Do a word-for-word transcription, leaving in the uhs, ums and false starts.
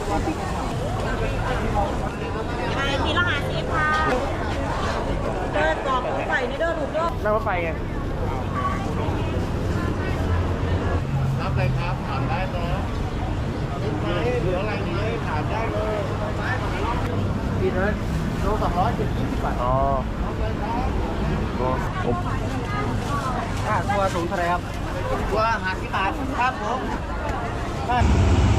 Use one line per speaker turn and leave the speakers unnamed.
ไปทีละหาสิบค่ะเดินกรอบรถไฟนี่เดินถูกต้อง
นั่งรถไฟไง
รับเลยครับถามได้เนาะลูกไม้เหลืออะไรไหมถามได้เลยกินเลยโลสองร้อยเจ็ดสิบบาท
อ๋อโอ้ผม
ค่าตัวสูงเท่าไรครับตัวห้าสิบบาทครับผม